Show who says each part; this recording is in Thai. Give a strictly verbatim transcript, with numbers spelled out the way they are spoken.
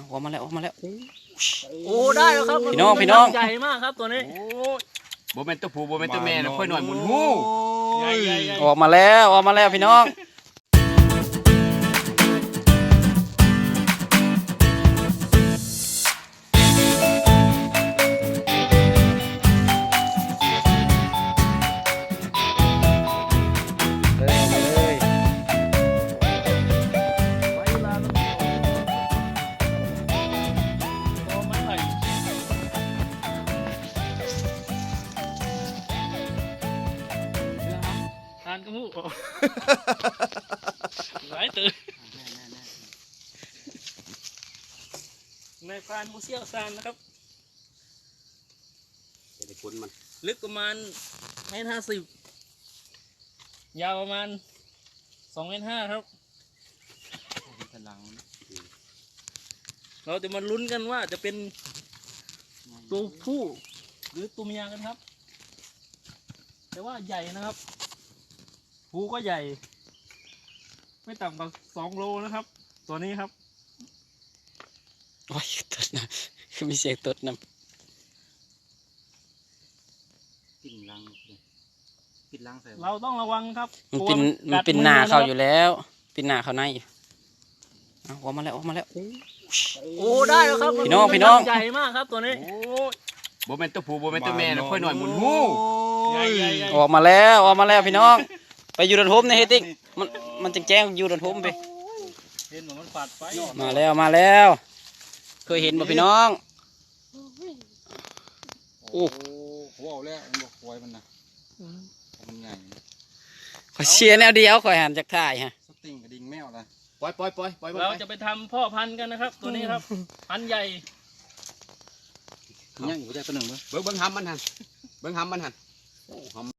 Speaker 1: ออกมาแล้วออกมาแล้ว
Speaker 2: โอ้ได้แล้วครับ
Speaker 1: พี่น้องพี่น้อง
Speaker 2: ใหญ่มากครับตัวนี้
Speaker 3: โบเมนตัวผู้โบเมนตัวแม่นะค่อยหน่อยหมุนหู
Speaker 2: ใหญ่ใหญ่ใหญ่
Speaker 1: ออกมาแล้วออกมาแล้วพี่น้อง
Speaker 2: ทานกระมูหลายตื่นในพรานผู้เชี่ยวชาญนะครับลึกประมาณเมตรห้าสิบยาวประมาณสองเมตรห้าครับเราจะมาลุ้นกันว่าจะเป็นตัวผู้หรือตัวเมียกันครับแต่ว่าใหญ่นะครับผู้ก็ใหญ่ไม่ต่ำกว่าสองโลนะครับตัวนี้ครับ
Speaker 1: โอ้ยตดนะคือมีเสียงตดนะ
Speaker 3: ปิ่นลังปิ่นลังใส่
Speaker 2: เราต้องระวังครับ
Speaker 1: มันเป็นมันเป็นหนาเขาอยู่แล้วเป็นหนาเขาในออกมาแล้วออกมาแล้ว
Speaker 2: โอ้ได้แล้วครับ
Speaker 1: พี่น้องพี่น้อง
Speaker 2: ใหญ่มากครับตัวนี้
Speaker 3: โบเมนตัวผู้โบเมนตัวแม่นะค่อยหน่อยหมุนหู
Speaker 2: ใหญ่ใหญ่ใหญ่
Speaker 1: ออกมาแล้วออกมาแล้วพี่น้องไปอยู่ดันทมในเฮติกมันมันแจ้งอยู่ดันทมไป
Speaker 2: เห็นเหมือนมันปัดไป
Speaker 1: มาแล้วมาแล้วเคยเห็นบ่พี่น้อง
Speaker 3: โอ้โหเอาแล้วมันบอกควายมันนะมันใหญ่
Speaker 1: ขอเชียร์แนวเดียวขอหันจากท่ายฮะ
Speaker 3: สติงกระดิ่งแมวละปล่อยปล่อยปล่อยปล่อย
Speaker 2: เราจะไปทำพ่อพันธุ์กันนะครับตัวนี้ครับพันธุ์ใหญ่
Speaker 3: ยังอยู่ใจตัวหนึ่งเบิ้งเบิ้งหำมันหันเบิ้งหำมันหัน